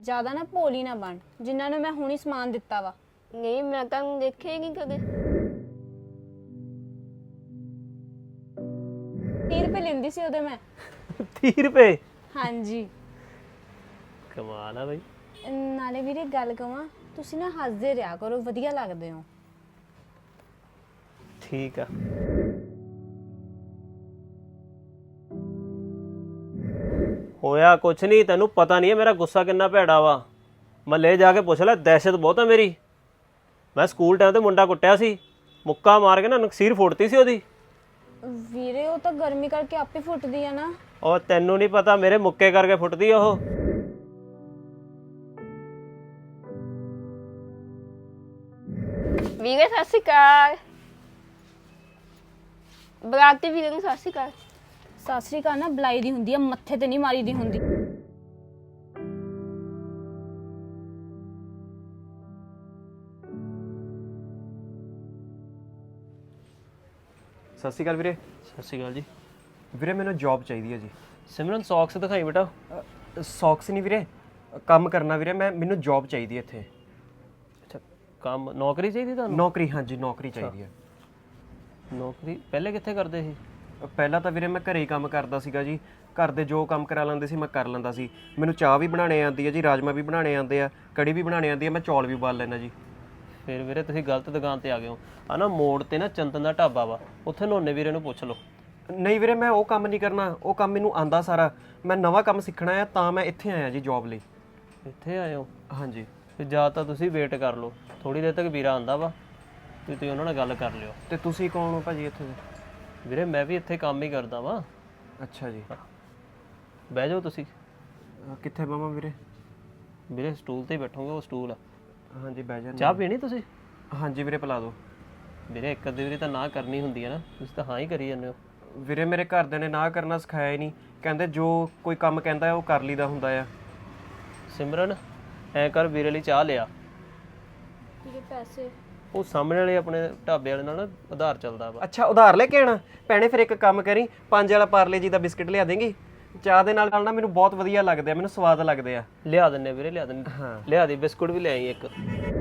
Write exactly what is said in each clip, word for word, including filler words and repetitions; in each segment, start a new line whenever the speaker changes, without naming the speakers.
ਜ਼ਿਆਦਾ ਨਾ ਭੋਲੀ ਨਾ ਬਣ ਜਿਨ੍ਹਾਂ ਨੂੰ ਮੈਂ ਹੁਣੀ ਸਮਾਨ ਦਿੱਤਾ ਵਾ।
ਨਹੀਂ ਮੈਂ ਤਾਂ ਦੇਖਿਆ ਹੀ ਨਹੀਂ ਕਦੇ।
ਤੀਹ ਰੁਪਏ ਲੈਂਦੀ ਸੀ ਉਹਦੇ ਮੈਂ।
ਤੀਹ ਰੁਪਏ?
ਹਾਂਜੀ।
ਕਮਾਲ ਆ ਬਈ।
ਨਾਲੇ ਵੀਰੇ ਗੱਲ ਕਵਾਂ, ਤੁਸੀਂ ਨਾ ਹੱਸਦੇ ਰਿਹਾ ਕਰੋ, ਵਧੀਆ ਲੱਗਦੇ ਹੋ।
ਠੀਕ ਆ। ਹੋਇਆ ਕੁਛ ਨਹੀਂ, ਤੈਨੂੰ ਪਤਾ ਨਹੀਂ ਹੈ ਮੇਰਾ ਗੁੱਸਾ ਕਿੰਨਾ ਭੈੜਾ ਵਾ। ਮੱਲੇ ਜਾ ਕੇ ਪੁੱਛ ਲੈ, ਦਹਿਸ਼ਤ ਬਹੁਤ ਆ ਮੇਰੀ। ਮੈਂ ਸਕੂਲ ਟਾਈਮ ਤੇ ਮੁੰਡਾ ਕੁੱਟਿਆ ਸੀ, ਮੁੱਕਾ ਮਾਰ ਕੇ ਨਾ ਨਕਸੀਰ ਫੁੱਟਤੀ ਸੀ ਉਹਦੀ।
ਵੀਰੇ ਉਹ ਤਾਂ ਗਰਮੀ ਕਰਕੇ ਆਪੇ ਫੁੱਟਦੀ ਆ ਨਾ।
ਉਹ ਤੈਨੂੰ ਨਹੀਂ ਪਤਾ, ਮੇਰੇ ਮੁੱਕੇ ਕਰਕੇ ਫੁੱਟਦੀ ਉਹ।
ਵੀਰੇ ਸਤਿ ਸ਼੍ਰੀ ਅਕਾਲ। ਬਰਾਤੀ ਵੀਰੇ ਨੂੰ ਸਤਿ ਸ਼੍ਰੀ ਅਕਾਲ।
ਸਤਿ ਸ੍ਰੀ ਅਕਾਲ ਨਾ ਬੁਲਾਈ ਦੀ ਹੁੰਦੀ ਆ, ਮੱਥੇ ਤੇ ਨਹੀਂ ਮਾਰੀ ਦੀ ਹੁੰਦੀ।
ਸਤਿ ਸ਼੍ਰੀ ਅਕਾਲ ਵੀਰੇ।
ਸਤਿ ਸ਼੍ਰੀ ਅਕਾਲ ਜੀ।
ਵੀਰੇ ਮੈਨੂੰ ਜੌਬ ਚਾਹੀਦੀ ਹੈ ਜੀ।
ਸਿਮਰਨ ਸੌਕਸ ਦਿਖਾਈ ਬੇਟਾ।
ਸੌਕਸ ਨਹੀਂ ਵੀਰੇ, ਕੰਮ ਕਰਨਾ ਵੀਰੇ ਮੈਂ, ਮੈਨੂੰ ਜੌਬ ਚਾਹੀਦੀ ਹੈ ਇੱਥੇ।
ਅੱਛਾ, ਕੰਮ ਨੌਕਰੀ ਚਾਹੀਦੀ ਤੁਹਾਨੂੰ?
ਨੌਕਰੀ, ਹਾਂਜੀ ਨੌਕਰੀ ਚਾਹੀਦੀ ਹੈ।
ਨੌਕਰੀ ਪਹਿਲੇ ਕਿੱਥੇ ਕਰਦੇ ਸੀ?
ਪਹਿਲਾਂ ਤਾਂ ਵੀਰੇ ਮੈਂ ਘਰੇ ਹੀ ਕੰਮ ਕਰਦਾ ਸੀਗਾ ਜੀ। ਘਰ ਦੇ ਜੋ ਕੰਮ ਕਰਾ ਲੈਂਦੇ ਸੀ ਮੈਂ ਕਰ ਲੈਂਦਾ ਸੀ। ਮੈਨੂੰ ਚਾਹ ਵੀ ਬਣਾਉਣੇ ਆਉਂਦੀ ਹੈ ਜੀ, ਰਾਜਮਾ ਵੀ ਬਣਾਉਣੇ ਆਉਂਦੇ ਆ, ਕੜੀ ਵੀ ਬਣਾਉਣੀ ਆਉਂਦੀ ਹੈ, ਮੈਂ ਚੌਲ ਵੀ ਉਬਾਲ ਲੈਂਦਾ ਜੀ।
ਫਿਰ ਵੀਰੇ ਤੁਸੀਂ ਗਲਤ ਦੁਕਾਨ ਤੇ ਆ ਗਏ ਹੋ। ਆ ਨਾ ਮੋੜ ਤੇ ਨਾ ਚੰਦਨ ਦਾ ਢਾਬਾ ਵਾ, ਉੱਥੇ ਨੋਨੇ ਵੀਰੇ ਨੂੰ ਪੁੱਛ ਲਓ।
ਨਹੀਂ ਵੀਰੇ, ਮੈਂ ਉਹ ਕੰਮ ਨਹੀਂ ਕਰਨਾ, ਉਹ ਕੰਮ ਮੈਨੂੰ ਆਂਦਾ ਸਾਰਾ। ਮੈਂ ਨਵਾਂ ਕੰਮ ਸਿੱਖਣਾ ਹੈ ਤਾਂ ਮੈਂ ਇੱਥੇ ਆਇਆ ਜੀ ਜੌਬ ਲਈ।
ਇੱਥੇ ਆਏ ਹੋ?
ਹਾਂਜੀ।
ਤੇ ਜਾਂ ਤਾਂ ਤੁਸੀਂ ਵੇਟ ਕਰ ਲਓ, ਥੋੜੀ ਦੇਰ ਤੱਕ ਵੀਰਾ ਆਂਦਾ ਵਾ ਤੇ ਤੁਸੀਂ ਉਹਨਾਂ ਨਾਲ ਗੱਲ ਕਰ ਲਿਓ।
ਤੇ ਤੁਸੀਂ ਕੌਣ ਹੋ ਭਾਜੀ ਇੱਥੇ ਦੇ?
ਵੀਰੇ ਮੈਂ ਵੀ ਇੱਥੇ ਕੰਮ ਹੀ ਕਰਦਾ ਵਾਂ।
ਅੱਛਾ ਜੀ।
ਬਹਿ ਜਾਓ ਤੁਸੀਂ।
ਅਹ ਕਿੱਥੇ ਬਵਾਂ ਵੀਰੇ?
ਵੀਰੇ ਸਟੂਲ ਤੇ ਹੀ ਬੈਠੋਗੇ, ਉਹ ਸਟੂਲ ਆ।
ਹਾਂਜੀ ਬਹਿ ਜਾਂਦੇ।
ਚਾਹ ਪੀਣੀ ਤੁਸੀਂ?
ਹਾਂਜੀ ਵੀਰੇ ਪਿਲਾ ਦਿਓ।
ਵੀਰੇ ਇੱਕ ਅੱਧੀ ਵਾਰੀ ਤਾਂ ਨਾ ਕਰਨੀ ਹੁੰਦੀ ਹੈ ਨਾ, ਤੁਸੀਂ ਤਾਂ ਹਾਂ ਹੀ ਕਰੀ ਜਾਂਦੇ ਹੋ।
ਵੀਰੇ ਮੇਰੇ ਘਰਦਿਆਂ ਨੇ ਨਾ ਕਰਨਾ ਸਿਖਾਇਆ ਹੀ ਨਹੀਂ, ਕਹਿੰਦੇ ਜੋ ਕੋਈ ਕੰਮ ਕਹਿੰਦਾ ਹੈ ਉਹ ਕਰ ਲਈਦਾ ਹੁੰਦਾ ਆ।
ਸਿਮਰਨ ਐ ਕਰ, ਵੀਰੇ ਲਈ ਚਾਹ ਲਿਆ।
ਵੀਰੇ ਪੈਸੇ?
ਉਹ ਸਾਹਮਣੇ ਵਾਲੇ ਆਪਣੇ ਢਾਬੇ ਵਾਲੇ ਨਾਲ ਨਾ ਉਧਾਰ ਚੱਲਦਾ ਵਾ।
ਅੱਛਾ ਉਧਾਰ ਲੈ ਕੇ ਆਣਾ ਭੈਣੇ? ਫਿਰ ਇੱਕ ਕੰਮ ਕਰੀ, ਪੰਜ ਵਾਲਾ ਪਾਰਲੇ ਜੀ ਦਾ ਬਿਸਕਟ ਲਿਆ ਦੇਂਗੀ? ਚਾਹ ਦੇ ਨਾਲ ਨਾਲ ਨਾ ਮੈਨੂੰ ਬਹੁਤ ਵਧੀਆ ਲੱਗਦੇ ਆ, ਮੈਨੂੰ ਸਵਾਦ ਲੱਗਦੇ ਆ।
ਲਿਆ ਦਿੰਨੇ ਵੀਰੇ, ਲਿਆ ਦਿੰਨੇ।
ਹਾਂ
ਲਿਆ ਦੀ, ਬਿਸਕੁਟ ਵੀ ਲੈ ਆਈ ਇੱਕ।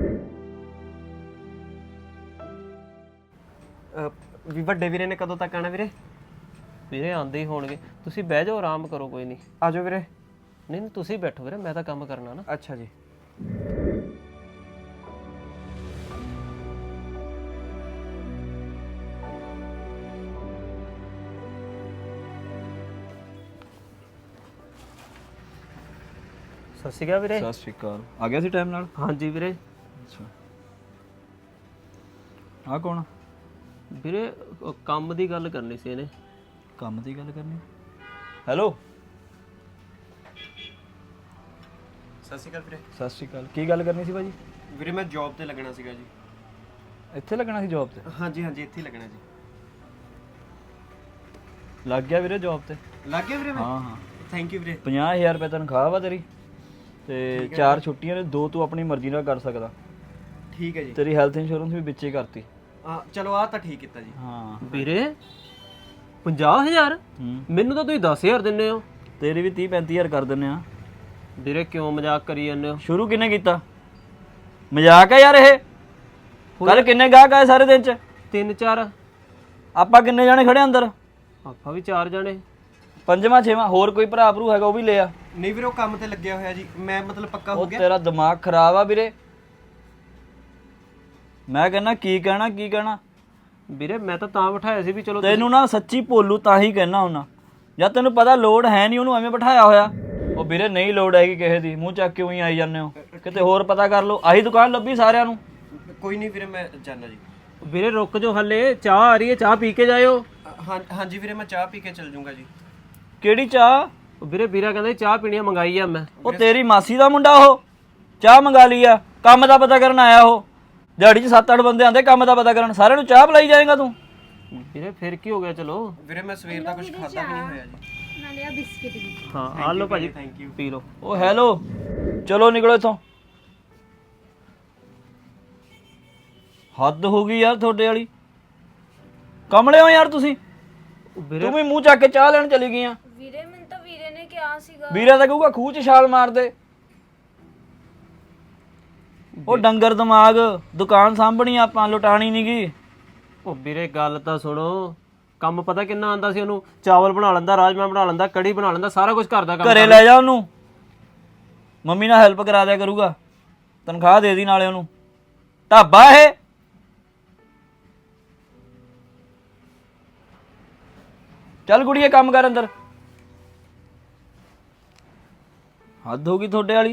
ਵੀ ਵੱਡੇ ਵੀਰੇ ਨੇ ਕਦੋਂ ਤੱਕ ਆਣਾ ਵੀਰੇ?
ਵੀਰੇ ਆਂਦੇ ਹੀ ਹੋਣਗੇ, ਤੁਸੀਂ ਬਹਿ ਜਾਓ, ਆਰਾਮ ਕਰੋ, ਕੋਈ ਨਹੀਂ।
ਆ ਜਾਓ ਵੀਰੇ।
ਨਹੀਂ ਨਹੀਂ ਤੁਸੀਂ ਬੈਠੋ ਵੀਰੇ, ਮੈਂ ਤਾਂ ਕੰਮ ਕਰਨਾ ਨਾ।
ਅੱਛਾ ਜੀ।
ਸਤਿ ਸ਼੍ਰੀ ਅਕਾਲ ਵੀਰੇ।
ਸਤਿ ਸ਼੍ਰੀ ਅਕਾਲ। ਆ ਗਿਆ ਸੀ ਟਾਈਮ ਨਾਲ?
ਹਾਂਜੀ ਵੀਰੇ।
ਅੱਛਾ, ਆ ਕੌਣ?
ਵੀਰੇ ਉਹ ਕੰਮ ਦੀ ਗੱਲ ਕਰਨੀ ਸੀ ਇਹਨੇ।
ਕੰਮ ਦੀ ਗੱਲ ਕਰਨੀ? ਹੈਲੋ।
ਸਤਿ ਸ਼੍ਰੀ ਅਕਾਲ ਵੀਰੇ।
ਸਤਿ ਸ਼੍ਰੀ ਅਕਾਲ। ਕੀ ਗੱਲ ਕਰਨੀ ਸੀ ਭਾਜੀ?
ਵੀਰੇ ਮੈਂ ਜੌਬ ਤੇ ਲੱਗਣਾ ਸੀਗਾ ਜੀ।
ਇੱਥੇ ਲੱਗਣਾ ਸੀ ਜੌਬ ਤੇ?
ਹਾਂਜੀ ਹਾਂਜੀ ਇੱਥੇ ਹੀ ਲੱਗਣਾ ਜੀ।
ਲੱਗ ਗਿਆ ਵੀਰੇ ਜੌਬ ਤੇ?
ਲੱਗ ਗਿਆ ਵੀਰੇ ਮੈਂ?
ਹਾਂ ਹਾਂ।
ਥੈਂਕ ਯੂ ਵੀਰੇ।
ਪੰਜਾਹ ਹਜ਼ਾਰ ਰੁਪਏ ਤਨਖਾਹ ਵਾ ਤੇਰੀ, ਤੇ ਚਾਰ ਛੁੱਟੀਆਂ ਨੇ, ਦੋ ਤੂੰ ਆਪਣੀ ਮਰਜ਼ੀ ਨਾਲ ਕਰ ਸਕਦਾ।
ਠੀਕ ਹੈ ਜੀ।
ਤੇਰੀ ਹੈਲਥ ਇੰਸ਼ੋਰੈਂਸ ਵੀ ਵਿੱਚੇ ਕਰਤੀ।
ਆ ਚਲੋ ਆ ਤਾਂ ਠੀਕ ਕੀਤਾ ਜੀ।
ਹਾਂ
ਵੀਰੇ ਪੰਜਾਹ ਹਜ਼ਾਰ?
ਹੂੰ।
ਮੈਨੂੰ ਤਾਂ ਤੁਸੀਂ ਦਸ ਹਜ਼ਾਰ ਦਿੰਦੇ ਹੋ।
ਤੇਰੀ ਵੀ ਤੀਹ ਪੈਂਤੀ ਹਜ਼ਾਰ ਕਰ ਦਿੰਨੇ ਆ।
ਵੀਰੇ ਕਿਉਂ ਮਜ਼ਾਕ ਕਰੀ ਜਾਂਦੇ ਹੋ?
ਸ਼ੁਰੂ ਕਿੰਨੇ ਕੀਤਾ? ਮਜ਼ਾਕ ਆ ਯਾਰ ਇਹ। ਕੱਲ ਕਿੰਨੇ ਗਾਹਕ ਆਏ ਸਾਰੇ ਦਿਨ ਚ?
ਤਿੰਨ ਚਾਰ।
ਆਪਾਂ ਕਿੰਨੇ ਜਾਣੇ ਖੜੇ ਅੰਦਰ?
ਆਪਾਂ ਵੀ ਚਾਰ ਜਾਣੇ।
ਪੰਜਵਾਂ ਛੇਵਾਂ ਹੋਰ ਕੋਈ ਭਰਾ ਭਰੂ ਹੈਗਾ ਉਹ ਵੀ ਲੈ ਆ।
ਨਹੀਂ ਵੀਰੇ ਉਹ ਕੰਮ ਤੇ ਲੱਗਿਆ ਹੋਇਆ ਜੀ, ਮੈਂ ਮਤਲਬ ਪੱਕਾ ਹੋ
ਉਹ
ਗਿਆ।
ਤੇਰਾ ਦਿਮਾਗ ਖਰਾਬ ਆ ਵੀਰੇ। ਮੈਂ ਕਹਿੰਦਾ ਕੀ ਕਹਿਣਾ ਕੀ ਕਹਿਣਾ।
ਵੀਰੇ ਮੈਂ ਤਾਂ ਤਾਂ ਬਿਠਾਇਆ ਸੀ ਵੀ ਚਲੋ
ਤੈਨੂੰ ਨਾ ਸੱਚੀ ਭੋਲੂ ਤਾਂ ਹੀ ਕਹਿਣਾ ਹੁੰਨਾ, ਜਾਂ ਤੈਨੂੰ ਪਤਾ ਲੋੜ ਹੈ ਨਹੀਂ ਉਹਨੂੰ ਐਵੇਂ ਬਿਠਾਇਆ ਹੋਇਆ। ਉਹ ਵੀਰੇ ਨਹੀਂ ਲੋੜ ਹੈਗੀ ਕਿਸੇ ਦੀ, ਮੂੰਹ ਚੱਕ ਕੇ ਉਹੀ ਆਈ ਜਾਂਦੇ ਹੋ। ਕਿਤੇ ਹੋਰ ਪਤਾ ਕਰ ਲਓ, ਆਹੀ ਦੁਕਾਨ ਲੱਭੀ ਸਾਰਿਆਂ ਨੂੰ।
ਕੋਈ ਨਹੀਂ ਵੀਰੇ ਮੈਂ ਜਾਣਾ ਜੀ।
ਵੀਰੇ ਰੁਕ ਜਾਓ, ਹੱਲੇ ਚਾਹ ਆ ਰਹੀ ਹੈ, ਚਾਹ ਪੀ ਕੇ ਜਾਇਓ।
ਹਾਂ ਹਾਂਜੀ ਵੀਰੇ ਮੈਂ ਚਾਹ ਪੀ ਕੇ ਚੱਲ ਜਾਊਂਗਾ ਜੀ।
ਕਿਹੜੀ ਚਾਹ?
ਵੀਰੇ ਵੀਰਾ ਕਹਿੰਦਾ ਚਾਹ ਪੀਣੀ ਆ, ਮੰਗਾਈ ਆ ਮੈਂ।
ਉਹ ਤੇਰੀ ਮਾਸੀ ਦਾ ਮੁੰਡਾ ਉਹ, ਚਾਹ ਮੰਗਾ ਲਈ ਆ। ਕੰਮ ਦਾ ਪਤਾ ਕਰਨ ਆਇਆ ਉਹ। ਦਿਹਾੜੀ 'ਚ ਸੱਤ ਅੱਠ ਬੰਦੇ ਆਂਦੇ ਕੰਮ ਦਾ ਪਤਾ ਕਰਨ, ਸਾਰਿਆਂ ਨੂੰ ਚਾਹ ਪਿਲਾਈ ਜਾਏਗਾ ਤੂੰ?
ਵੀਰੇ ਫਿਰ ਕੀ ਹੋ ਗਿਆ? ਚਲੋ
ਵੀਰੇ ਮੈਂ ਸਵੇਰ ਦਾ ਕੁਝ ਖਾਦਾ ਵੀ ਨਹੀਂ ਹੋਇਆ ਜੀ।
ਨਾਲੇ ਆ ਬਿਸਕਿਟ ਵੀ।
ਹਾਂ ਆ ਲਓ ਭਾਜੀ,
ਥੈਂਕ ਯੂ।
ਪੀ ਲਓ।
ਉਹ ਹੈਲੋ, ਚਲੋ ਨਿਕਲੋ ਇੱਥੋਂ। ਹੱਦ ਹੋ ਗਈ ਯਾਰ ਤੁਹਾਡੇ ਵਾਲੀ। ਕਮਲੇ ਹੋ ਯਾਰ ਤੁਸੀਂ।
ਵੀਰੇ
ਤੂੰ ਵੀ ਮੂੰਹ ਚੱਕ ਕੇ ਚਾਹ ਲੈਣ ਚਲੀ ਗਈ ਆ।
ਵੀਰੇ ਮੈਨੂੰ ਤਾਂ ਵੀਰੇ ਨੇ ਕਿਹਾ ਸੀਗਾ।
ਵੀਰਾ ਤਾਂ ਕਹੂਗਾ ਖੂਹ 'ਚ ਛਾਲ ਮਾਰ ਦੇ। ਉਹ ਡੰਗਰ ਦਿਮਾਗ, ਦੁਕਾਨ ਸਾਂਭਣੀ ਆਪਾਂ, ਲੁਟਾਣੀ ਨੀ ਗੀ।
ਉਹ ਵੀਰੇ ਗੱਲ ਤਾਂ ਸੁਣੋ, ਕੰਮ ਪਤਾ ਕਿੰਨਾ ਆਂਦਾ ਸੀ ਉਹਨੂੰ? ਚਾਵਲ ਬਣਾ ਲੈਂਦਾ, ਰਾਜਮਾ ਬਣਾ ਲੈਂਦਾ, ਕੜੀ ਬਣਾ ਲੈਂਦਾ, ਸਾਰਾ ਕੁਝ ਘਰ ਦਾ ਕੰਮ
ਘਰੇ ਲੈ ਜਾ ਉਹਨੂੰ, ਮੰਮੀ ਨਾਲ ਹੈਲਪ ਕਰਾ ਦਿਆ ਕਰੂਗਾ, ਤਨਖਾਹ ਦੇ ਦੀ ਨਾਲੇ ਉਹਨੂੰ। ਢਾਬਾ ਇਹ ਚੱਲ ਕੁੜੀਏ ਕੰਮ ਕਰ ਅੰਦਰ। ਹੱਦ ਹੋ ਗਈ ਤੁਹਾਡੇ ਵਾਲੀ।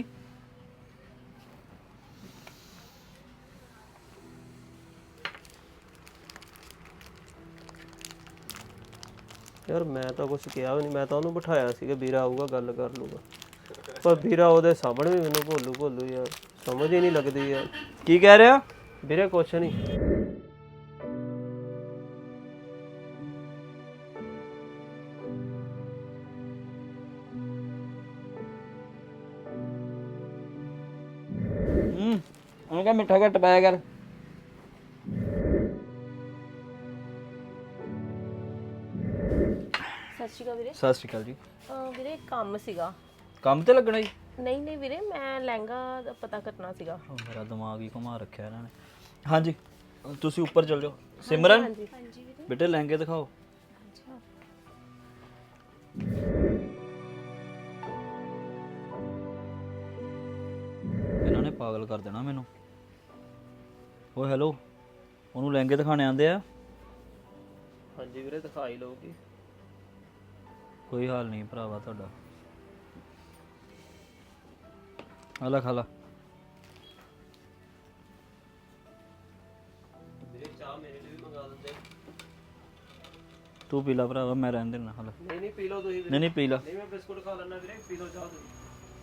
ਯਾਰ ਮੈਂ ਤਾਂ ਕੁਝ ਕਿਹਾ ਵੀ ਨਹੀਂ, ਮੈਂ ਤਾਂ ਉਹਨੂੰ ਬਿਠਾਇਆ ਸੀਗਾ ਵੀਰਾ ਆਊਗਾ ਗੱਲ ਕਰ ਲੂਗਾ, ਪਰ ਵੀਰਾ ਉਹਦੇ ਸਾਹਮਣੇ ਵੀ ਮੈਨੂੰ ਭੋਲੂ ਭੋਲੂ ਯਾਰ, ਸਮਝ ਹੀ ਨਹੀਂ ਲੱਗਦੀ ਯਾਰ।
ਕੀ ਕਹਿ ਰਿਹਾ?
ਵੀਰੇ ਕੁਛ ਨਹੀਂ।
ਹੂੰ ਉਹਨੂੰ ਕਹ ਮਿੱਠਾ ਘੱਟ ਪਾਇਆ ਕਰ।
ਸਤਿ ਸ਼੍ਰੀ ਅਕਾਲ ਵੀਰੇ।
ਸਤਿ ਸ਼੍ਰੀ ਅਕਾਲ ਜੀ।
ਅਹ ਵੀਰੇ ਇੱਕ ਕੰਮ ਸੀਗਾ।
ਕੰਮ ਤੇ ਲੱਗਣਾ ਜੀ?
ਨਹੀਂ ਨਹੀਂ ਵੀਰੇ, ਮੈਂ ਲਹਿੰਗਾ ਦਾ ਪਤਾ ਕਰਨਾ ਸੀਗਾ।
ਉਹ ਮੇਰਾ ਦਿਮਾਗ ਹੀ ਘੁਮਾ ਰੱਖਿਆ ਇਹਨਾਂ ਨੇ। ਹਾਂਜੀ ਤੁਸੀਂ ਉੱਪਰ ਚੱਲ ਜਾਓ। ਸਿਮਰਨ
ਹਾਂਜੀ
ਬੇਟੇ ਲਹਿੰਗੇ ਦਿਖਾਓ। ਇਹਨਾਂ ਨੇ ਪਾਗਲ ਕਰ ਦੇਣਾ ਮੈਨੂੰ। ਓਏ ਹੈਲੋ, ਉਹਨੂੰ ਲਹਿੰਗੇ ਦਿਖਾਣੇ ਆਉਂਦੇ ਆ?
ਹਾਂਜੀ ਵੀਰੇ ਦਿਖਾ ਹੀ ਲਊਗੀ।
ਕੋਈ ਹਾਲ ਨਹੀਂ ਭਰਾਵਾ ਤੁਹਾਡਾ। ਆਲਾ ਖਾਲਾ।
ਵੀਰੇ ਚਾਹ ਮੇਰੇ ਲਈ ਵੀ ਮੰਗਾ ਦਿੰਦੇ।
ਤੂੰ ਪੀ ਲਾ ਭਰਾਵਾ, ਮੈਂ ਰਹਿਣ ਦੇਣਾ ਹਾਲਾ।
ਨਹੀਂ ਨਹੀਂ ਪੀ ਲਓ ਤੁਸੀਂ।
ਨਹੀਂ ਨਹੀਂ ਪੀ ਲਾ।
ਨਹੀਂ ਮੈਂ ਬਿਸਕੁਟ ਖਾ ਲੈਣਾ ਵੀਰੇ, ਪੀ ਲਓ ਚਾਹ ਤੁਸੀਂ।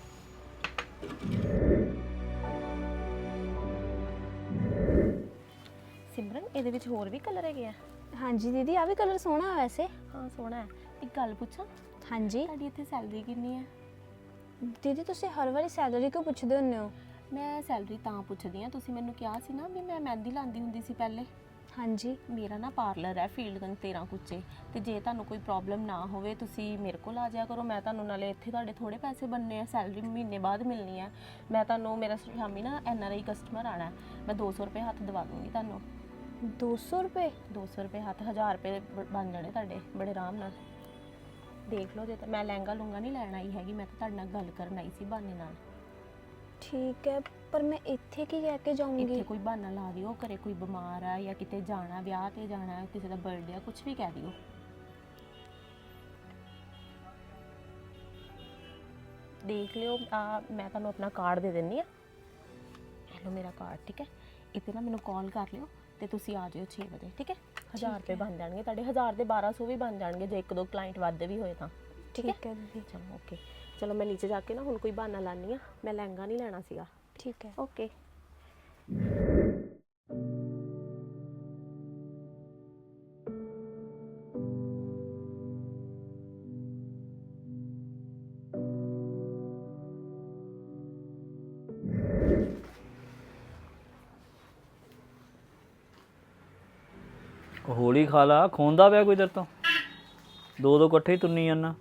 ਸਿਮਰਨ, ਇਹਦੇ ਵਿੱਚ ਹੋਰ ਵੀ ਕਲਰ ਹੈਗੇ ਆ?
ਹਾਂਜੀ ਦੀਦੀ, ਆ ਵੀ ਕਲਰ ਸੋਹਣਾ ਹੈ ਵੈਸੇ।
ਹਾਂ ਸੋਹਣਾ ਹੈ। ਇੱਕ ਗੱਲ ਪੁੱਛਾਂ,
ਹਾਂਜੀ
ਤੁਹਾਡੀ ਇੱਥੇ ਸੈਲਰੀ ਕਿੰਨੀ ਹੈ?
ਦੀਦੀ, ਤੁਸੀਂ ਹਰ ਵਾਰੀ ਸੈਲਰੀ ਕਿਉਂ ਪੁੱਛਦੇ ਹੁੰਦੇ ਹੋ?
ਮੈਂ ਸੈਲਰੀ ਤਾਂ ਪੁੱਛਦੀ ਹਾਂ, ਤੁਸੀਂ ਮੈਨੂੰ ਕਿਹਾ ਸੀ ਨਾ ਵੀ ਮੈਂ ਮਹਿੰਦੀ ਲਾਉਂਦੀ ਹੁੰਦੀ ਸੀ ਪਹਿਲੇ।
ਹਾਂਜੀ
ਮੇਰਾ ਨਾ ਪਾਰਲਰ ਹੈ ਫੀਲਡਗੰਜ ਤੇਰਾਂ ਕੁੱਚੇ, ਤੇ ਜੇ ਤੁਹਾਨੂੰ ਕੋਈ ਪ੍ਰੋਬਲਮ ਨਾ ਹੋਵੇ ਤੁਸੀਂ ਮੇਰੇ ਕੋਲ ਆ ਜਾਇਆ ਕਰੋ। ਮੈਂ ਤੁਹਾਨੂੰ ਨਾਲੇ ਇੱਥੇ ਤੁਹਾਡੇ ਥੋੜੇ ਪੈਸੇ ਬਣਨੇ ਆ, ਸੈਲਰੀ ਮਹੀਨੇ ਬਾਅਦ ਮਿਲਣੀ ਹੈ। ਮੈਂ ਤੁਹਾਨੂੰ, ਮੇਰਾ ਸ਼ਾਮੀ ਨਾ ਐਨ ਆਰ ਆਈ ਕਸਟਮਰ ਆਣਾ, ਮੈਂ ਦੋ ਸੌ ਰੁਪਏ ਹੱਥ ਦਵਾ ਦੂੰਗੀ ਤੁਹਾਨੂੰ।
ਦੋ ਸੌ ਰੁਪਏ?
ਦੋ ਸੌ ਰੁਪਏ ਹੱਥ, ਹਜ਼ਾਰ ਰੁਪਏ ਬ- ਬਣ ਜਾਣੇ ਤੁਹਾਡੇ ਬੜੇ ਆਰਾਮ ਨਾਲ। ਦੇਖ ਲਓ, ਜੇ ਤਾਂ ਮੈਂ ਲਹਿੰਗਾ ਲੂੰਗਾ ਨਹੀਂ ਲੈਣ ਆਈ ਹੈਗੀ, ਮੈਂ ਤਾਂ ਤੁਹਾਡੇ ਨਾਲ ਗੱਲ ਕਰਨ ਆਈ ਸੀ ਬਹਾਨੇ ਨਾਲ।
ਠੀਕ ਹੈ, ਪਰ ਮੈਂ ਇੱਥੇ ਕੀ ਕਹਿ ਕੇ ਜਾਊਂਗੀ?
ਇੱਥੇ ਕੋਈ ਬਹਾਨਾ ਲਾ ਦਿਓ, ਘਰੇ ਕੋਈ ਬਿਮਾਰ ਆ ਜਾਂ ਕਿਤੇ ਜਾਣਾ, ਵਿਆਹ ਤੇ ਜਾਣਾ, ਕਿਸੇ ਦਾ ਬਰਥਡੇ ਆ, ਕੁਝ ਵੀ ਕਹਿ ਦਿਓ। ਦੇਖ ਲਿਓ, ਆ ਮੈਂ ਤੁਹਾਨੂੰ ਆਪਣਾ ਕਾਰਡ ਦੇ ਦਿੰਨੀ ਆ, ਇਹ ਲਓ ਮੇਰਾ ਕਾਰਡ, ਠੀਕ ਹੈ? ਇੱਥੇ ਨਾ ਮੈਨੂੰ ਕਾਲ ਕਰ ਲਿਓ ਤੇ ਤੁਸੀਂ ਆ ਜਾਇਓ ਛੇ ਵਜੇ, ਠੀਕ ਹੈ? ਹਜ਼ਾਰ ਰੁਪਏ ਬਣ ਜਾਣਗੇ ਤੁਹਾਡੇ, ਹਜ਼ਾਰ ਦੇ ਬਾਰਾਂ ਸੌ ਵੀ ਬਣ ਜਾਣਗੇ ਜੇ ਇੱਕ ਦੋ ਕਲਾਇੰਟ ਵੱਧ ਵੀ ਹੋਏ ਤਾਂ।
ਠੀਕ ਹੈ ਦੀਦੀ।
ਚਲੋ ਓਕੇ, ਚਲੋ ਮੈਂ ਨੀਚੇ ਜਾ ਕੇ ਨਾ ਹੁਣ ਕੋਈ ਬਹਾਨਾ ਲਾਨੀ ਆ, ਮੈਂ ਲਹਿੰਗਾ ਨਹੀਂ ਲੈਣਾ ਸੀਗਾ।
ਠੀਕ ਹੈ।
ਓਕੇ।
ਹੌਲੀ ਖਾ ਲਾ, ਖੋਂਦਾ ਪਿਆ ਕੋਈ ਤੇਰੇ ਤੋਂ। ਦੋ ਦੋ ਇਕੱਠੇ ਹੀ ਤੁੰਨੀ ਜਾਂਦਾ।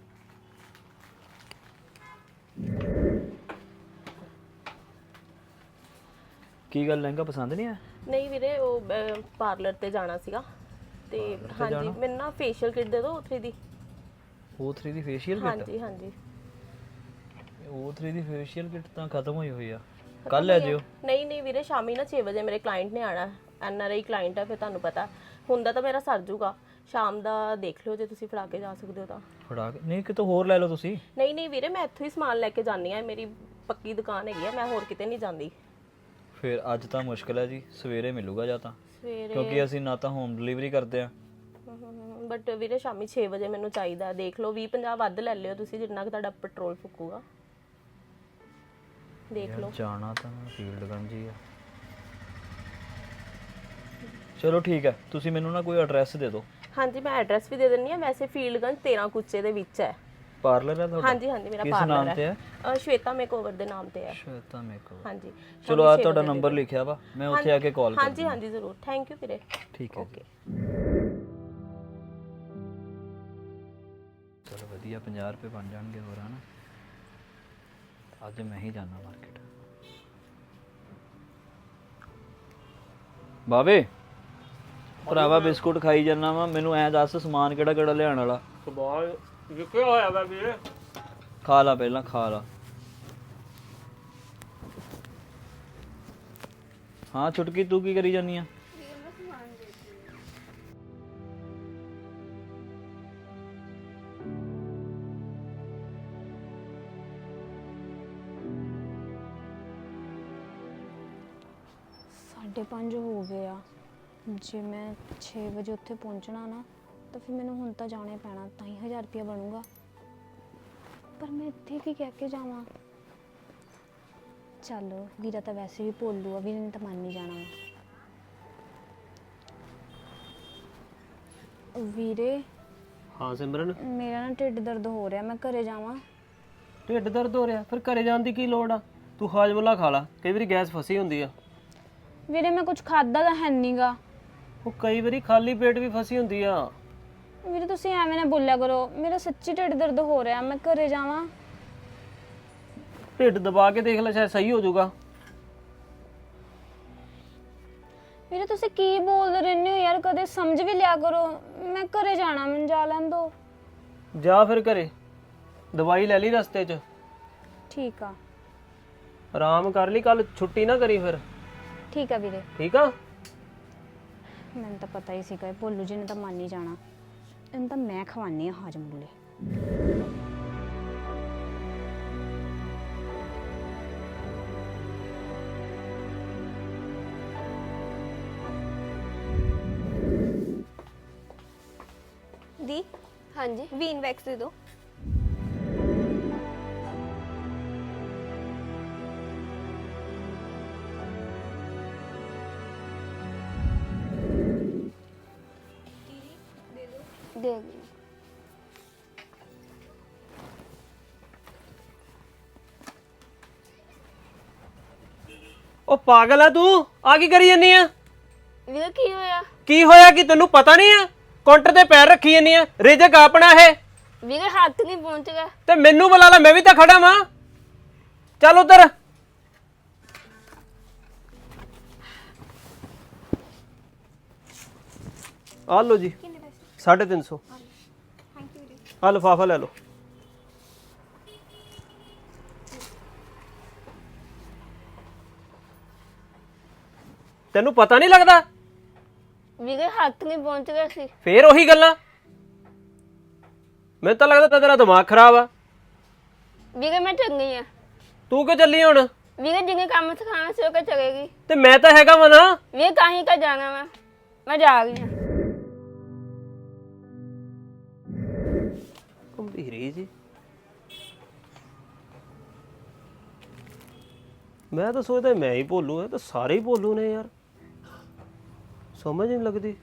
ਕੀ ਗੱਲ, ਲਹਿੰਗਾ ਪਸੰਦ ਨਹੀਂ ਆਇਆ?
ਨਹੀਂ ਵੀਰੇ, ਉਹ ਪਾਰਲਰ ਤੇ ਜਾਣਾ ਸੀਗਾ ਤੇ ਹਾਂਜੀ ਮੈਨੂੰ ਨਾ ਫੇਸ਼ੀਅਲ ਕਿਟ ਦੇ ਦਿਓ ਉੱਥੇ ਦੀ।
ਓ ਥ੍ਰੀ ਦੀ ਫੇਸ਼ੀਅਲ ਕਿਟ?
ਹਾਂਜੀ ਹਾਂਜੀ।
ਓ ਥ੍ਰੀ ਦੀ ਫੇਸ਼ੀਅਲ ਕਿਟ ਤਾਂ ਖਤਮ ਹੋਈ ਹੋਈ ਆ, ਕੱਲ ਲੈ ਜਿਓ।
ਨਹੀਂ ਨਹੀਂ ਵੀਰੇ, ਸ਼ਾਮੀ ਨਾ ਛੇ ਵਜੇ ਮੇਰੇ ਕਲਾਇੰਟ ਨੇ ਆਣਾ, ਐਨ ਆਰ ਆਈ ਕਲਾਇੰਟ ਹੈ, ਫਿਰ ਤੁਹਾਨੂੰ ਪਤਾ ਹੁੰਦਾ ਤਾਂ ਮੇਰਾ ਸਰ ਜੂਗਾ। ਸ਼ਾਮ ਦਾ ਦੇਖ ਲਿਓ ਜੇ ਤੁਸੀਂ ਫੜਾ ਕੇ ਜਾ ਸਕਦੇ ਹੋ ਤਾਂ।
ਫੜਾ ਕੇ? ਨਹੀਂ ਕਿਤੋਂ ਹੋਰ ਲੈ ਲਓ ਤੁਸੀਂ।
ਨਹੀਂ ਨਹੀਂ ਵੀਰੇ, ਮੈਂ ਇੱਥੋਂ ਹੀ ਸਮਾਨ ਲੈ ਕੇ ਜਾਂਦੀ ਆ, ਮੇਰੀ ਪੱਕੀ ਦੁਕਾਨ ਹੈਗੀ ਆ, ਮੈਂ ਹੋਰ ਕਿਤੇ ਨਹੀਂ ਜਾਂਦੀ।
ਫਿਰ ਅੱਜ ਤਾਂ ਮੁਸ਼ਕਿਲ ਹੈ ਜੀ, ਸਵੇਰੇ ਮਿਲੂਗਾ ਜਾਂ ਤਾਂ,
ਸਵੇਰੇ
ਕਿਉਂਕਿ ਅਸੀਂ ਨਾ ਤਾਂ ਹੋਮ ਡਿਲੀਵਰੀ ਕਰਦੇ ਆ।
ਬਟ ਵੀਰੇ ਸ਼ਾਮੀ ਛੇ ਵਜੇ ਮੈਨੂੰ ਚਾਹੀਦਾ, ਦੇਖ ਲਓ ਵੀਹ ਪੰਜਾਹ ਵੱਧ ਲੈ ਲਿਓ ਤੁਸੀਂ, ਜਿੰਨਾ ਕਿ ਤੁਹਾਡਾ ਪੈਟਰੋਲ ਫੁੱਕੂਗਾ। ਦੇਖ ਲਓ।
ਜਾਣਾ ਤਾਂ ਫੀਲਡਗੰਜ ਹੀ ਆ। ਚਲੋ ਠੀਕ ਹੈ, ਤੁਸੀਂ ਮੈਨੂੰ ਨਾ ਕੋਈ ਐਡਰੈਸ ਦੇ ਦਿਓ।
ਹਾਂਜੀ ਮੈਂ ਐਡਰੈਸ ਵੀ ਦੇ ਦਿੰਨੀ ਆ, ਵੈਸੇ ਫੀਲਡਗੰਜ ਤੇਰਾਂ ਕੁੱਚੇ ਦੇ ਵਿੱਚ ਹੈ।
ਪਾਰਲਰ ਹੈ ਤੁਹਾਡਾ?
ਹਾਂਜੀ ਹਾਂਜੀ, ਮੇਰਾ
ਕਿਸ
ਪਾਰਲਰ
ਨਾਮ
ਹੈ।
ਤੇ ਹੈ?
ਅ, ਸ਼ਵੇਤਾ ਮੇਕਓਵਰ ਦੇ ਨਾਮ ਤੇ ਹੈ।
ਸ਼ਵੇਤਾ ਮੇਕਓਵਰ।
ਹਾਂਜੀ।
ਚਲੋ ਆ ਤੁਹਾਡਾ ਨੰਬਰ ਲਿਖਿਆ ਵਾ, ਮੈਂ ਉੱਥੇ ਆ ਕੇ ਕਾਲ ਕਰ
ਹਾਂਜੀ ਹਾਂਜੀ ਜ਼ਰੂਰ, ਥੈਂਕ ਯੂ ਵੀਰੇ।
ਠੀਕ ਹੈ
ਓਕੇ।
ਚਲੋ ਵਧੀਆ, ਪੰਜਾਹ ਰੁਪਏ ਬਣ ਜਾਣਗੇ ਹੋਰ, ਹਨਾ? ਅੱਜ ਮੈਂ ਹੀ ਜਾਣਾ ਮਾਰਕੀਟ। ਬਾਵੇ ਭਰਾਵਾ ਬਿਸਕੁਟ ਖਾਈ ਜਾਂਦਾ ਵਾ, ਮੈਨੂੰ ਐ ਦੱਸ ਸਮਾਨ ਕਿਹੜਾ ਕਿਹੜਾ ਲਿਆਉਣ ਵਾਲਾ।
ਸਵਾਲ ਵਿਕਿਆ ਹੋਇਆ ਵਾ ਵੀਰੇ।
ਖਾ ਲਾ ਪਹਿਲਾਂ ਖਾ ਲਾ। ਹਾਂ ਛੁਟਕੀ ਤੂੰ ਕੀ ਕਰੀ ਜਾਨੀ ਆ?
ਸਾਢੇ ਪੰਜ ਹੋ ਗਏ ਆ। ਜੇ ਮੈਂ ਛੇ ਵਜੇ ਉੱਥੇ ਪਹੁੰਚਣਾ ਨਾ ਤਾਂ ਫਿਰ ਮੈਨੂੰ ਹੁਣ ਤਾਂ ਜਾਣਾ ਹੀ ਪੈਣਾ, ਤਾਂ ਹੀ ਹਜ਼ਾਰ ਰੁਪਇਆ ਬਣੂਗਾ। ਪਰ ਮੈਂ ਇੱਥੇ ਕੀ ਕਹਿ ਕੇ ਜਾਵਾਂ? ਚੱਲ ਵੀਰਾ ਤਾਂ ਵੈਸੇ ਵੀ ਭੋਲੂ ਆ, ਵੀਰੇ ਨੇ ਤਾਂ ਮੰਨ ਨਹੀਂ ਜਾਣਾ ਵਾ। ਵੀਰੇ
ਹਾਂ ਸਿਮਰਨ,
ਮੇਰਾ ਨਾ ਢਿੱਡ ਦਰਦ ਹੋ ਰਿਹਾ, ਮੈਂ ਘਰੇ ਜਾਵਾਂ?
ਢਿੱਡ ਦਰਦ ਹੋ ਰਿਹਾ? ਫਿਰ ਘਰੇ ਜਾਣ ਦੀ ਕੀ ਲੋੜ ਆ? ਤੂੰ ਹਾਜਮੁਲਾ ਖਾ ਲਾ, ਕਈ ਵਾਰੀ ਗੈਸ ਫਸੀ ਹੁੰਦੀ ਆ।
ਵੀਰੇ ਮੈਂ ਕੁਝ ਖਾਦਾ ਤਾਂ ਹੈ ਨਹੀਂਗਾ।
ਉਹ ਕਈ ਵਾਰੀ ਖਾਲੀ ਪੇਟ ਵੀ ਫਸੀ ਹੁੰਦੀ ਆ।
ਵੀਰੇ ਤੁਸੀਂ ਐਵੇਂ ਨਾ ਬੋਲਿਆ ਕਰੋ, ਮੇਰਾ ਸੱਚੀ ਢਿੱਡ ਦਰਦ ਹੋ ਰਿਹਾ, ਮੈਂ ਘਰੇ ਜਾਵਾਂ?
ਢਿੱਡ ਦਬਾ ਕੇ ਦੇਖ ਲੈ, ਸ਼ਾਇਦ ਸਹੀ ਹੋ ਜਾਊਗਾ।
ਵੀਰੇ ਤੁਸੀਂ ਕੀ ਬੋਲਦੇ ਰਹਿੰਦੇ ਹੋ ਯਾਰ, ਕਦੇ ਸਮਝ ਵੀ ਲਿਆ ਕਰੋ। ਮੈਂ ਘਰੇ ਜਾਣਾ, ਮੈਨੂੰ ਜਾ ਲੈਣ ਦਿਓ।
ਜਾ ਫਿਰ ਘਰੇ, ਦਵਾਈ ਲੈ ਲਈ ਰਸਤੇ 'ਚ,
ਠੀਕ ਆ।
ਆਰਾਮ ਕਰ ਲਈ, ਕੱਲ ਛੁੱਟੀ ਨਾ ਕਰੀ ਫਿਰ।
ਠੀਕ ਆ ਵੀਰੇ।
ਠੀਕ ਆ।
ਮੈਨੂੰ ਤਾਂ ਪਤਾ ਹੀ ਸੀਗਾ, ਭੋਲੂ ਜੀ ਨੇ ਤਾਂ ਮੰਨ ਹੀ ਜਾਣਾ। ਇਹਨੂੰ ਤਾਂ ਮੈਂ ਖਵਾਨੀ ਆ ਹਾਜਮੁੱਲੇ।
ਦੀ ਹਾਂਜੀ ਵੀਨ ਵੈਕਸ ਦੇ ਦਿਓ। ਦੇ ਦਿਓ।
ਉਹ ਪਾਗਲ ਆ ਤੂੰ, ਆ ਕੀ ਕਰੀ ਜਾਨੀ ਆ?
ਵੀਰੇ ਕੀ ਹੋਇਆ?
ਕੀ ਹੋਇਆ ਕਿ ਤੈਨੂੰ ਪਤਾ ਨਹੀਂ ਆ? ਕਾਊਂਟਰ ਤੇ ਪੈਰ ਰੱਖੀ ਜਾਨੀ ਆ, ਰਿਜਕ ਆਪਣਾ ਇਹ।
ਵੀਰੇ ਹੱਥ ਨਹੀਂ ਪਹੁੰਚ ਗਿਆ।
ਤੇ ਮੈਨੂੰ ਬੁਲਾ ਲੈ, ਮੈਂ ਵੀ ਤਾਂ ਖੜਾ ਵਾਂ। ਚੱਲ ਉਧਰ। ਆ ਲਓ ਜੀ, ਸਾਢੇ ਤਿੰਨ ਸੌ। ਆ ਲਿਫਾਫਾ ਲੈ ਲਓ। ਤੈਨੂੰ ਪਤਾ ਨਹੀਂ ਲੱਗਦਾ?
ਵੀਰੇ ਹੱਥ ਨਹੀਂ ਪਹੁੰਚ ਗਿਆ ਸੀ।
ਫੇਰ ਉਹੀ ਗੱਲਾਂ। ਮੈਨੂੰ ਤਾਂ ਲੱਗਦਾ ਤੇਰਾ ਦਿਮਾਗ ਖਰਾਬ ਆ।
ਵੀਰੇ ਮੈਂ ਚੰਗੀ ਆ।
ਤੂੰ ਕਿਉਂ ਚੱਲੀ ਹੁਣ?
ਵੀਰੇ ਜਿੰਨੇ ਕੰਮ ਸਿਖਾਣਾ ਸੀ ਉਹ ਕਿ ਚਲੇਗੀ।
ਤੇ ਮੈਂ ਤਾਂ ਹੈਗਾ ਵਾ ਨਾ।
ਵੀਰੇ ਕਾਹੀਂ ਕਾ ਜਾਣਾ ਮੈਂ ਮੈਂ ਜਾ ਰਹੀ ਹਾਂ।
ਗੰਭੀਰੀ ਜੀ, ਮੈਂ ਤਾਂ ਸੋਚਦਾ ਮੈਂ ਹੀ ਭੋਲੂ ਹੈ, ਤਾਂ ਸਾਰੇ ਹੀ ਭੋਲੂ ਨੇ ਯਾਰ, ਸਮਝ ਨਹੀਂ ਲੱਗਦੀ।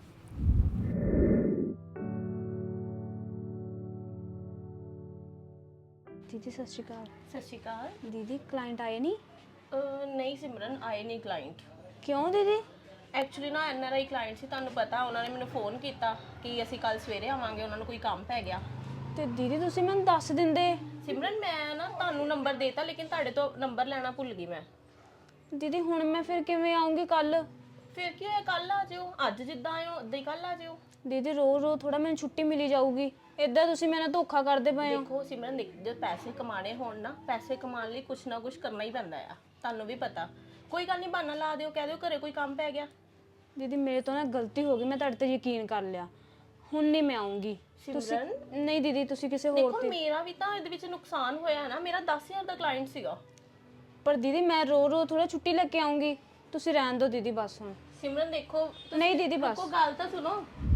ਦੀਦੀ ਸਤਿ ਸ਼੍ਰੀ ਅਕਾਲ।
ਸਤਿ ਸ਼੍ਰੀ ਅਕਾਲ।
ਦੀਦੀ ਕਲਾਇੰਟ ਆਏ ਨਹੀਂ?
ਅਹ ਨਹੀਂ ਸਿਮਰਨ, ਆਏ ਨਹੀਂ ਕਲਾਇੰਟ।
ਕਿਉਂ ਦੀਦੀ?
ਐਕਚੁਅਲੀ ਨਾ ਐਨ ਆਰ ਆਈ ਕਲਾਇੰਟ ਸੀ, ਤੁਹਾਨੂੰ ਪਤਾ, ਉਹਨਾਂ ਨੇ ਮੈਨੂੰ ਫੋਨ ਕੀਤਾ ਕਿ ਅਸੀਂ ਕੱਲ ਸਵੇਰੇ ਆਵਾਂਗੇ, ਉਹਨਾਂ ਨੂੰ ਕੋਈ ਕੰਮ ਪੈ ਗਿਆ।
ਤੇ ਦੀਦੀ ਤੁਸੀਂ ਮੈਨੂੰ ਦੱਸ ਦਿੰਦੇ।
ਸਿਮਰਨ ਮੈਂ ਨਾ ਤੁਹਾਨੂੰ ਨੰਬਰ ਦੇਤਾ, ਲੇਕਿਨ ਤੁਹਾਡੇ ਤੋਂ ਨੰਬਰ ਲੈਣਾ ਭੁੱਲ ਗਈ ਮੈਂ।
ਦੀਦੀ ਹੁਣ ਮੈਂ ਫਿਰ ਕਿਵੇਂ ਆਉਂਗੀ ਕੱਲ?
ਫਿਰ ਕੀ ਹੋਇਆ, ਕੱਲ ਆ ਜਿਓ। ਅੱਜ ਜਿੱਦਾਂ ਆਇਓ ਉਦਾਂ ਹੀ ਕੱਲ ਆ ਜਿਓ।
ਦੀਦੀ ਰੋਜ਼ ਰੋਜ਼ ਥੋੜਾ ਮੈਨੂੰ ਛੁੱਟੀ ਮਿਲੀ ਜਾਊਗੀ, ਇਦਾਂ ਤੁਸੀਂ ਮੇਰੇ ਨਾਲ ਧੋਖਾ ਕਰਦੇ ਪਏ ਹੋ।
ਦੇਖੋ ਸਿਮਰਨ, ਜਦ ਪੈਸੇ ਕਮਾਣੇ ਹੋਣ ਨਾ, ਪੈਸੇ ਕਮਾਉਣ ਲਈ ਕੁਛ ਨਾ ਕੁਛ ਕਰਨਾ ਹੀ ਪੈਂਦਾ ਆ, ਤੁਹਾਨੂੰ ਵੀ ਪਤਾ। ਕੋਈ ਗੱਲ ਨਹੀਂ, ਬਹਾਨਾ ਲਾ ਦਿਓ, ਕਹਿ ਦਿਓ ਘਰੇ ਕੋਈ ਕੰਮ ਪੈ ਗਿਆ।
ਦੀਦੀ ਮੇਰੇ ਤੋਂ ਨਾ ਗਲਤੀ ਹੋ ਗਈ, ਮੈਂ ਤੁਹਾਡੇ ਤੇ ਯਕੀਨ ਕਰ ਲਿਆ, ਹੁਣ ਨਹੀਂ ਮੈਂ ਆਉਂਗੀ। ਤੁਸੀਂ ਨਹੀਂ ਦੀਦੀ, ਤੁਸੀਂ ਕਿਸੇ ਹੋਰ
ਦੇਖੋ ਮੇਰਾ ਵੀ ਤਾਂ ਇਹਦੇ ਵਿੱਚ ਨੁਕਸਾਨ ਹੋਇਆ ਨਾ, ਮੇਰਾ ਦਸ ਹਜ਼ਾਰ ਦਾ ਕਲਾਇੰਟ ਸੀਗਾ।
ਪਰ ਦੀਦੀ ਮੈਂ ਰੋ ਰੋ ਥੋੜਾ ਛੁੱਟੀ ਲੈ ਕੇ ਆਉਂਗੀ, ਤੁਸੀਂ ਰਹਿਣ ਦਿਓ ਦੀਦੀ ਬਸ ਹੁਣ।
ਸਿਮਰਨ ਦੇਖੋ,
ਨਹੀਂ ਦੀਦੀ ਬਸ।
ਕੋਈ ਗੱਲ ਤਾਂ ਸੁਣੋ।